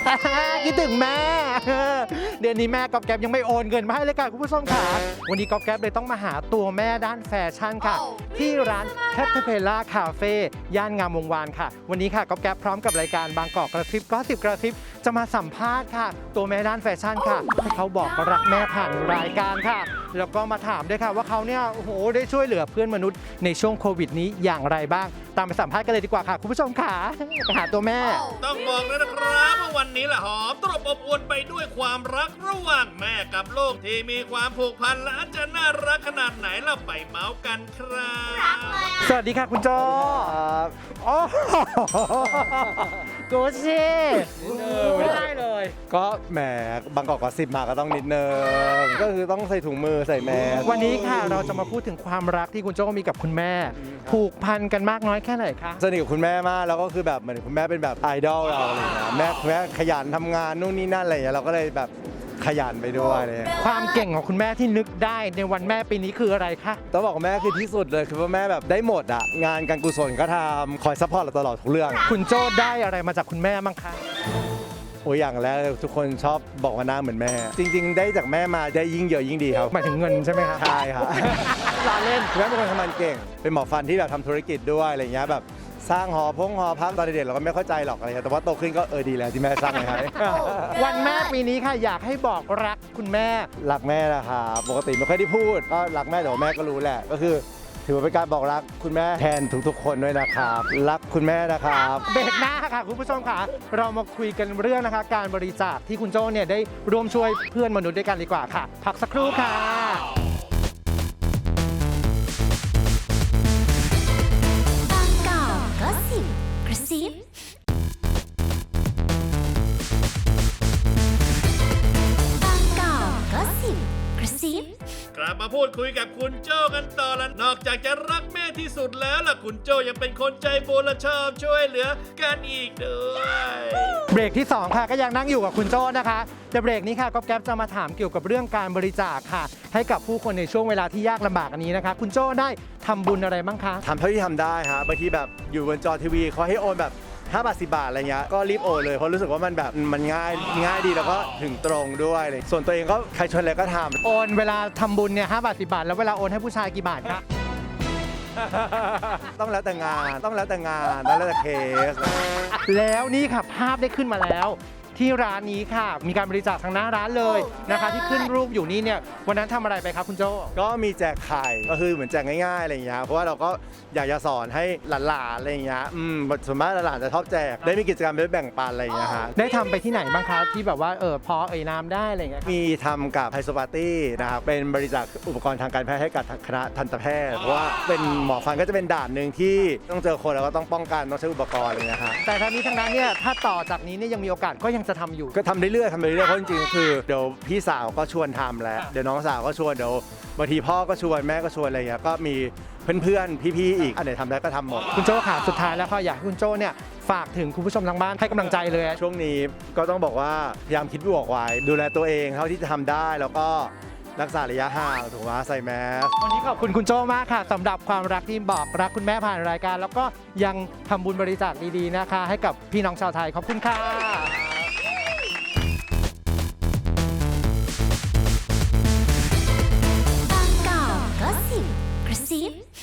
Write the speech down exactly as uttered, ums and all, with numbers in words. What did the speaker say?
คิดถึงแม่เดือนนี้แม่ก๊อฟแก๊ปยังไม่โอนเงินมาให้เลยค่ะคุณผู้ชมค่ะวันนี้ก๊อฟแก๊ปเลยต้องมาหาตัวแม่ด้านแฟชั่นค่ะที่ร้านแคทเพลล่าคาเฟ่ย่านงามวงวานค่ะวันนี้ค่ะก๊อฟแก๊ปพร้อมกับรายการบางกอกกระซิบก็สิบกระซิบจะมาสัมภาษณ์ค่ะตัวแม่ด้านแฟชั่นค่ะให้เขาบอกรักแม่ผ่านรายการค่ะแล้วก็มาถามด้วยค่ะว่าเขาเนี่ยโอ้โหได้ช่วยเหลือเพื่อนมนุษย์ในช่วงโควิดนี้อย่างไรบ้างตามไปสัมภาษณ์กันเลยดีกว่าค่ะคุณผู้ชมค่ะไปหาตัวแม่ต้องบอกเลยนะครับว่าวันนี้แหละหอมตรบอบอวลไปด้วยความรักระหว่างแม่กับลูกที่มีความผูกพันและจะน่ารักขนาดไหนเราไปเมาส์กันครับสวัสดีค่ะคุณโจครับโอ้กูชิไม่ได้เลยก็แหมบางกอกกอสิบมาก็ต้องนิดนึงก็คือต้องใส่ถุงมือใส่แมสวันนี้ค่ะเราจะมาพูดถึงความรักที่คุณโจมีกับคุณแม่ผูกพันกันมากน้อยแค่ไหนคะสนิทกับคุณแม่มากแล้วก็คือแบบเหมือนคุณแม่เป็นแบบไอดอลเราอะไรอย่างเงี้ยแม่แม่ขยันทำงานนู่นนี่นั่นอะไรอย่างเงี้ยเราก็เลยแบบขยันไปด้วยเลยความเก่งของคุณแม่ที่นึกได้ในวันแม่ปีนี้คืออะไรคะต้องบอกแม่คือที่สุดเลยคือว่าแม่แบบได้หมดอ่ะงานการกุศลก็ทำคอยซัพพอร์ตเราตลอดทุกเรื่องคุณโจได้อะไรมาจากคุณแม่บ้างคะโอ้ยอย่างแรกทุกคนชอบบอกว่าหน้าเหมือนแม่จริงๆได้จากแม่มาได้ยิ่งเยอะยิ่งดีครับหมายถึงเงินใช่ไหมครับใช่ครับลาเล่นแม่เป็นคนทำงานเก่งเป็นหมอฟันที่แบบทำธุรกิจด้วยอะไรเงี้ยแบบสร้างหอพงหอพักตอนเด็กๆเราก็ไม่เข้าใจหรอกอะไรแต่ว่าโตขึ้นก็เออดีแล้วที่แม่สร้างให้วันแม่ปีนี้ค่ะอยากให้บอกรักคุณแม่รักแม่นะครับปกติไม่ค่อยได้พูดก็รักแม่แต่ว่าแม่ก็รู้แหละก็คือถือว่าเป็นการบอกรักคุณแม่แทนทุกๆคนด้วยนะครับรักคุณแม่นะครับเบรกหน้าค่ะคุณผู้ชมค่ะเรามาคุยกันเรื่องนะคะการบริจาคที่คุณโจ้เนี่ยได้ร่วมช่วยเพื่อนมนุษย์ด้วยกันดีกว่าค่ะพักสักครู่ค่ะบางกอกก็สิบกระซิบางกอกก็สิบกระซิบกลับมาพูดคุยกับคุณโจ้กันต่อแล้วนอกจากจะรักแม่ที่สุดแล้วล่ะคุณโจ้ยังเป็นคนใจบุญและชอบช่วยเหลือกันอีกด้วยเบรกที่สองค่ะก็ยังนั่งอยู่กับคุณโจ้นะคะแต่เบรกนี้ค่ะก๊อฟแก๊ปจะมาถามเกี่ยวกับเรื่องการบริจาคค่ะให้กับผู้คนในช่วงเวลาที่ยากลำบากอันนี้นะคะคุณโจ้ได้ทำบุญอะไรบ้างคะทำเท่าที่ทำได้ฮะบางทีแบบอยู่บนจอทีวีเขาให้โอนแบบห้าบาทสิบบาทอะไรเงี้ยก็รีบโอนเลยเพราะรู้สึกว่ามันแบบมันง่ายง่ายดีแล้วก็ถึงตรงด้วยเลยส่วนตัวเองก็ใครชวนอะไรก็ทำโอนเวลาทำบุญเนี่ยห้าบาทสิบบาทแล้วเวลาโอนให้ผู้ชายกี่บาทคะต้องแล้วแต่งานต้องแล้วแต่งานแล้วแต่เคสแล้วนี่ค่ะภาพได้ขึ้นมาแล้วที่ร้านนี้ค่ะมีการบริจาคทางหน้าร้านเลยนะคะที่ขึ้นรูปอยู่นี่เนี่ยวันนั้นทำอะไรไปครับคุณโจ้ก็มีแจกไข่ก็คือเหมือนแจกง่ายๆอะไรอย่างเงี้ยเพราะว่าเราก็อยากจะสอนให้หลานๆอะไรอย่างเงี้ยอืมส่วนมากหลานๆจะชอบแจกได้มีกิจกรรมได้แบ่งปันอะไรอย่างเงี้ยฮะได้ทำไปที่ไหนบ้างคะที่แบบว่าเออพอเอ่ยนามได้อะไรเงี้ยมีทำกับไฮโซปาร์ตี้นะครับเป็นบริจาคอุปกรณ์ทางการแพทย์ให้กับคณะทันตแพทย์เพราะว่าเป็นหมอฟันก็จะเป็นด่านหนึ่งที่ต้องเจอคนแล้วก็ต้องป้องกันต้องใช้อุปกรณ์อะไรอย่างเงี้ยฮะแต่ทั้งนี้ทั้งนั้นเนี่ยถ้าต่อจากนี้เนี่ยยังมีโอกาสก็ยังจะทำอยู่ก็ทำเรื่อยๆทำไปเรื่อยๆเพราะจริงๆคือเดี๋ยวพี่สาวก็ชวนทำแล้วเดี๋ยวน้องสาวก็ชวนเดี๋ยวบางทีพ่อก็ชวนแม่ก็ชวนอะไรอย่างเงี้ยก็มีเพื่อนๆพี่ๆอีกอันไหนทำได้ก็ทำหมดคุณโจ้ค่ะสุดท้ายแล้วค่ะอยากให้คุณโจ้เนี่ยฝากถึงคุณผู้ชมทางบ้านให้กำลังใจเลยช่วงนี้ก็ต้องบอกว่าพยายามคิดบวกไว้ดูแลตัวเองเท่าที่จะทำได้แล้วก็รักษาระยะห่างถูกไหมใส่แมสวันนี้ขอบคุณคุณโจ้มากค่ะสำหรับความรักที่บอกรักคุณแม่ผ่านรายการแล้วก็ยังทำบุญบริจาคดีๆนะคะให้กับพี่น้องชาวไทยขอบคุณค่ะบางกอกก็สิบกระซิบ